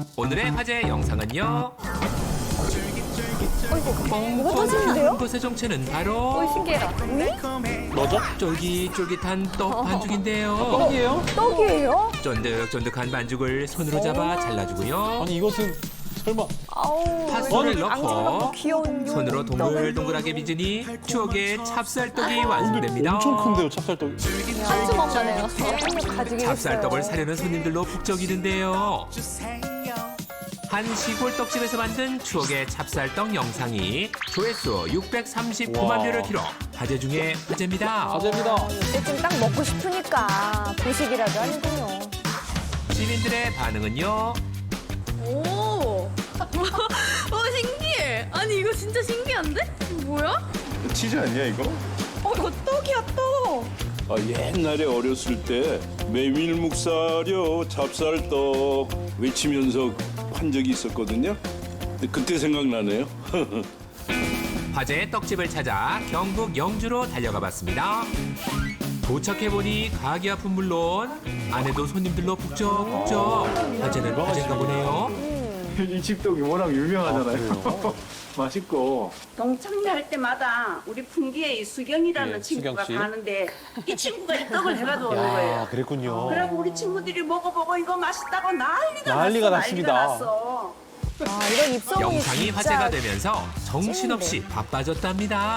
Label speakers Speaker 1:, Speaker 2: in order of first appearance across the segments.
Speaker 1: 오늘의 화제 영상은요.
Speaker 2: 뭐가 터지는데요?
Speaker 1: 것의 정체는 바로
Speaker 2: 신기해라.
Speaker 3: 뭐죠?
Speaker 1: 쫄깃쫄깃한 떡 반죽인데요.
Speaker 3: 떡이에요?
Speaker 2: 떡이에요?
Speaker 1: 쫀득쫀득한 반죽을 손으로 잡아 잘라주고요.
Speaker 3: 아니 이것은 설마
Speaker 2: 아우.
Speaker 1: 팥소를
Speaker 2: 앙증맞고
Speaker 1: 넣고
Speaker 2: 귀여운
Speaker 1: 손으로 동글동글하게 빚으니 추억의 찹쌀떡이 완성됩니다.
Speaker 3: 엄청 큰데요, 찹쌀떡이.
Speaker 2: 한 주먹만 해요. 한입 가지게
Speaker 1: 찹쌀떡을 사려는 손님들로 북적이는데요. 한 시골 떡집에서 만든 추억의 찹쌀떡 영상이 조회수 639만 뷰를 기록. 화제 중에 화제입니다.
Speaker 3: 화제입니다.
Speaker 2: 이때쯤 딱 먹고 싶으니까 보식이라도 하는군요.
Speaker 1: 시민들의 반응은요.
Speaker 4: 오, 신기해. 아니 이거 진짜 신기한데? 뭐야?
Speaker 5: 치즈 아니야 이거?
Speaker 4: 이거 떡이야 떡.
Speaker 5: 아, 옛날에 어렸을 때 메밀묵사려 찹쌀떡 외치면서 한 적이 있었거든요. 근데 그때 생각나네요.
Speaker 1: 화제의 떡집을 찾아 경북 영주로 달려가 봤습니다. 도착해보니 가게 앞은 물론 안에도 손님들로 북적북적. 화제는 화제인가 보네요.
Speaker 6: 이 집떡이 워낙 유명하잖아요. 맛있고.
Speaker 7: 동창회 할 때마다 우리 풍기에 이 수경이라는
Speaker 3: 예,
Speaker 7: 친구가
Speaker 3: 수경 씨.
Speaker 7: 가는데 이 친구가 이 떡을 해가지고 오는 거예요.
Speaker 3: 그랬군요.
Speaker 7: 그래갖고 우리 친구들이 먹어보고 이거 맛있다고
Speaker 3: 난리가
Speaker 7: 났어.
Speaker 3: 났습니다.
Speaker 7: 났어.
Speaker 2: 아, 이런 입소문이
Speaker 1: 영상이
Speaker 2: 진짜
Speaker 1: 화제가 되면서 정신없이 바빠졌답니다.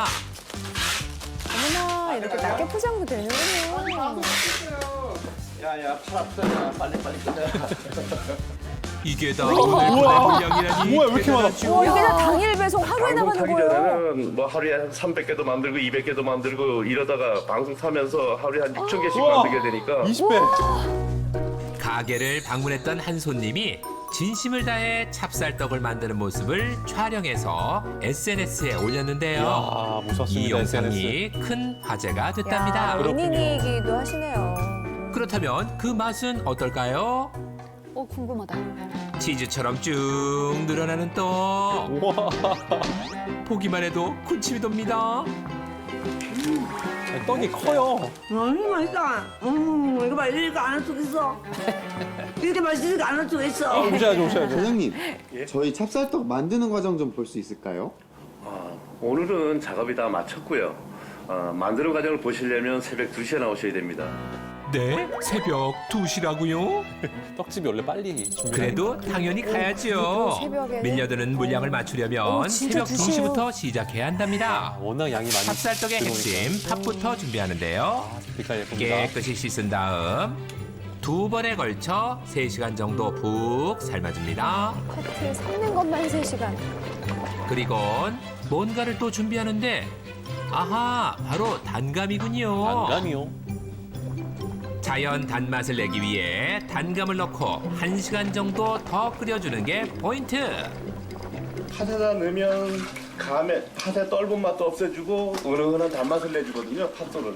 Speaker 2: 어머나 이렇게 낮게 포장도 되는군요.
Speaker 5: 야야 팔 아프다. 빨리 끝내.
Speaker 1: 이게 다 오늘 분량이라니.
Speaker 3: 뭐야, 왜 이렇게 많아?
Speaker 2: 와, 이게 다 당일 배송 하루에
Speaker 8: 방송
Speaker 2: 나가는
Speaker 8: 타기
Speaker 2: 거예요?
Speaker 8: 전에는 뭐 하루에 한 300개도 만들고 200개도 만들고 이러다가 방송 타면서 하루에 한 6천 개씩
Speaker 3: 우와.
Speaker 8: 만들게 되니까
Speaker 3: 20배.
Speaker 1: 가게를 방문했던 한 손님이 진심을 다해 찹쌀떡을 만드는 모습을 촬영해서 SNS에 올렸는데요.
Speaker 3: 아,
Speaker 1: 이
Speaker 3: 무섭습니다,
Speaker 1: 영상이 큰 화제가 됐답니다.
Speaker 2: 야, 연인이기도 하시네요.
Speaker 1: 그렇다면 그 맛은 어떨까요?
Speaker 4: 궁금하다.
Speaker 1: 치즈처럼 쭉 늘어나는 떡.
Speaker 3: 우와.
Speaker 1: 보기만 해도 군침이 돕니다.
Speaker 3: 아니, 떡이 커요.
Speaker 7: 맛있다. 이거 봐, 이렇게 안 할 수가 있어. 이렇게 맛있는 거 안 할 수가 있어.
Speaker 3: 오셔야죠, 오셔야죠.
Speaker 9: 사장님, 저희 찹쌀떡 만드는 과정 좀 볼 수 있을까요?
Speaker 8: 오늘은 작업이 다 마쳤고요. 만드는 과정을 보시려면 새벽 2시에 나오셔야 됩니다.
Speaker 1: 네? 새벽 2시라고요?
Speaker 3: 떡집이 원래 빨리 준비해요.
Speaker 1: 그래도 당연히 가야죠.
Speaker 2: 새벽에는?
Speaker 1: 밀려드는 물량을 맞추려면
Speaker 2: 진짜
Speaker 1: 새벽
Speaker 2: 2시예요.
Speaker 1: 2시부터 시작해야 한답니다.
Speaker 3: 워낙 양이 많이
Speaker 1: 찹쌀떡의
Speaker 3: 들어오니까.
Speaker 1: 핵심 팥부터 준비하는데요.
Speaker 3: 빛깔 예쁩니다.
Speaker 1: 깨끗이 씻은 다음 2번에 걸쳐 3시간 정도 푹 삶아줍니다.
Speaker 2: 커트 삶는 것만 3시간.
Speaker 1: 그리곤 뭔가를 또 준비하는데 아하 바로 단감이군요.
Speaker 3: 단감이요.
Speaker 1: 자연 단맛을 내기 위해 단감을 넣고 1시간 정도 더 끓여주는 게 포인트.
Speaker 8: 팥에다 넣으면 팥의 떫은 맛도 없애주고 은은한 단맛을 내주거든요. 팥솔은.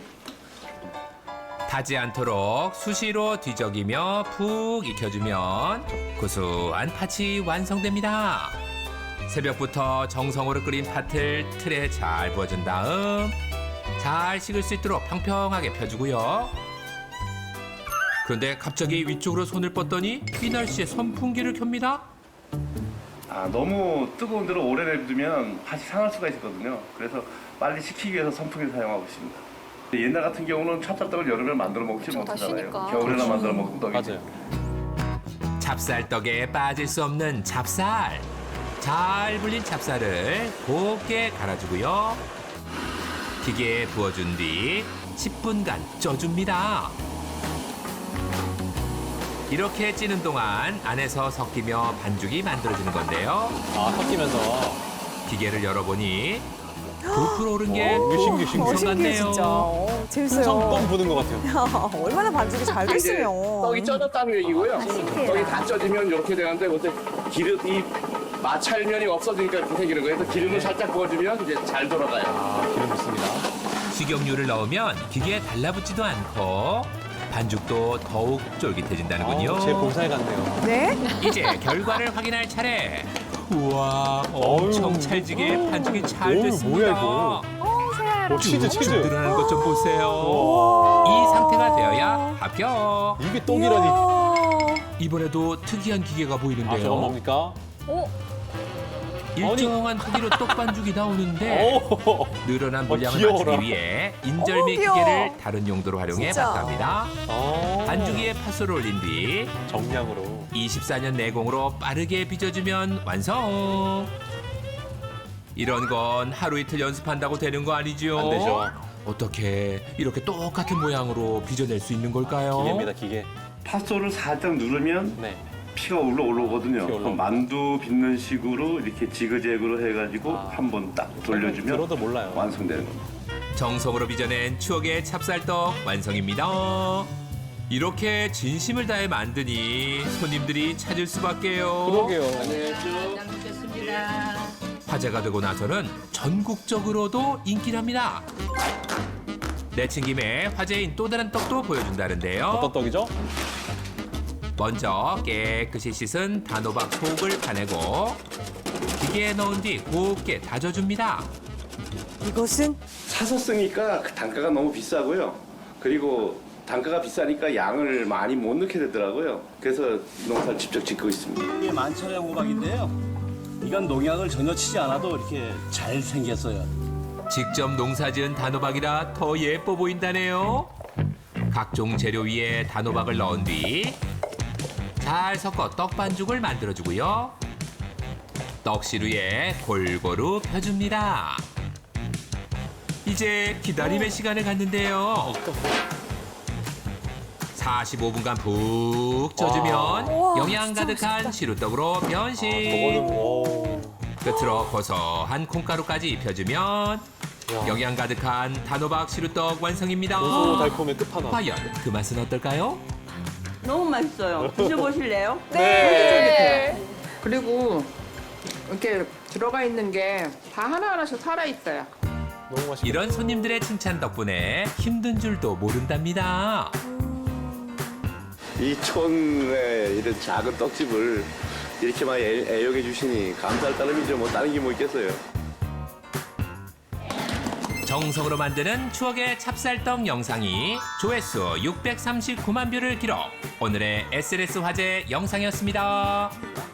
Speaker 1: 타지 않도록 수시로 뒤적이며 푹 익혀주면 구수한 팥이 완성됩니다. 새벽부터 정성으로 끓인 팥을 틀에 잘 부어준 다음 잘 식을 수 있도록 평평하게 펴주고요. 그런데 갑자기 위쪽으로 손을 뻗더니 이 날씨에 선풍기를 켭니다.
Speaker 8: 너무 뜨거운 데로 오래 냅두면 팥이 상할 수가 있거든요. 그래서 빨리 식히기 위해서 선풍기를 사용하고 있습니다. 옛날 같은 경우는 찹쌀떡을 여름에 만들어 먹지 못하잖아요.
Speaker 4: 쉬니까.
Speaker 8: 겨울에나 만들어 먹는 떡이죠.
Speaker 3: 맞아요.
Speaker 1: 찹쌀떡에 빠질 수 없는 찹쌀. 잘 불린 찹쌀을 곱게 갈아주고요. 기계에 부어준 뒤 10분간 쪄줍니다. 이렇게 찌는 동안 안에서 섞이며 반죽이 만들어지는 건데요.
Speaker 3: 아, 섞이면서.
Speaker 1: 기계를 열어보니 부풀어 오른 게
Speaker 3: 신기해, 신기해.
Speaker 2: 신기해
Speaker 1: 같네요.
Speaker 2: 진짜. 재밌어요.
Speaker 3: 뻥 부는 것 같아요.
Speaker 2: 얼마나 반죽이 잘 됐으면.
Speaker 10: 떡이 쪄졌다는 얘기고요.
Speaker 2: 신기해라.
Speaker 10: 떡이 다 쪄지면 이렇게 되는데 그때 기름이 마찰면이 없어지니까 이렇게 생기는 거예요. 그래서 기름을 살짝 부어주면 이제 잘 돌아가요.
Speaker 3: 아, 기름 좋습니다.
Speaker 1: 식용유를 넣으면 기계에 달라붙지도 않고 반죽도 더욱 쫄깃해진다는군요.
Speaker 3: 제 본사에 갔네요.
Speaker 2: 네?
Speaker 1: 이제 결과를 확인할 차례. 우와, 엄청
Speaker 3: 어휴.
Speaker 1: 찰지게 반죽이 잘
Speaker 3: 어휴,
Speaker 1: 됐습니다.
Speaker 3: 뭐야, 이거. 치즈, 치즈.
Speaker 1: 늘어나는 것 좀 보세요. 이 상태가 되어야 합격.
Speaker 3: 이게 떡이라니.
Speaker 2: 이야.
Speaker 1: 이번에도 특이한 기계가
Speaker 3: 아, 저건
Speaker 1: 보이는데요.
Speaker 3: 뭡니까?
Speaker 1: 일정한 크기로 떡반죽이 나오는데
Speaker 3: 오,
Speaker 1: 늘어난 물량을
Speaker 3: 귀여워라.
Speaker 1: 맞추기 위해 인절미
Speaker 2: 귀여워.
Speaker 1: 기계를 다른 용도로 활용해
Speaker 2: 진짜.
Speaker 1: 봤답니다. 반죽에 팥을 올린 뒤
Speaker 3: 정량으로.
Speaker 1: 24년 내공으로 빠르게 빚어주면 완성. 이런 건 하루 이틀 연습한다고 되는 거 아니죠?
Speaker 3: 안 되죠.
Speaker 1: 어떻게 이렇게 똑같은 모양으로 빚어낼 수 있는 걸까요?
Speaker 3: 기계입니다, 기계.
Speaker 8: 팥소를 살짝 누르면
Speaker 3: 네.
Speaker 8: 피가 올라오거든요.
Speaker 3: 피 올라오고.
Speaker 8: 만두 빚는 식으로 이렇게 지그재그로 해가지고 한번 딱 돌려주면
Speaker 3: 들어도 몰라요.
Speaker 8: 완성되는 겁니다.
Speaker 1: 정성으로 빚어낸 추억의 찹쌀떡 완성입니다. 이렇게 진심을 다해 만드니 손님들이 찾을 수밖에요.
Speaker 3: 그러게요.
Speaker 1: 화제가 되고 나서는 전국적으로도 인기랍니다. 내친 김에 화제인 또 다른 떡도 보여준다는데요.
Speaker 3: 어떤 떡이죠?
Speaker 1: 먼저 깨끗이 씻은 단호박 속을 파내고 기계에 넣은 뒤 곱게 다져줍니다.
Speaker 2: 이것은
Speaker 8: 사서 쓰니까 그 단가가 너무 비싸고요. 그리고 단가가 비싸니까 양을 많이 못 넣게 되더라고요. 그래서 농사를 직접 짓고 있습니다.
Speaker 5: 이게 만천의 호박인데요. 이건 농약을 전혀 치지 않아도 이렇게 잘 생겼어요.
Speaker 1: 직접 농사지은 단호박이라 더 예뻐 보인다네요. 각종 재료 위에 단호박을 넣은 뒤 잘 섞어 떡반죽을 만들어주고요. 떡시루에 골고루 펴줍니다. 이제 기다림의 시간을 갖는데요. 45분간 푹 쪄주면
Speaker 2: 우와,
Speaker 1: 영양
Speaker 2: 진짜
Speaker 1: 가득한 시루떡으로 변신.
Speaker 3: 저거는, 오.
Speaker 1: 끝으로 고소한 콩가루까지 입혀주면 영양 가득한 단호박 시루떡 완성입니다.
Speaker 3: 고소 달콤의 끝판왕.
Speaker 1: 과연 그 맛은 어떨까요?
Speaker 7: 너무 맛있어요. 드셔보실래요?
Speaker 2: 네.
Speaker 11: 그리고 이렇게 들어가 있는 게 다 하나하나씩 살아있어요.
Speaker 3: 너무 맛있다.
Speaker 1: 이런 손님들의 칭찬 덕분에 힘든 줄도 모른답니다.
Speaker 8: 이 촌에 이런 작은 떡집을 이렇게 많이 애용해 주시니 감사할 따름이죠. 뭐 다른 게 뭐 있겠어요.
Speaker 1: 정성으로 만드는 추억의 찹쌀떡 영상이 조회수 639만 뷰를 기록. 오늘의 SNS 화제 영상이었습니다.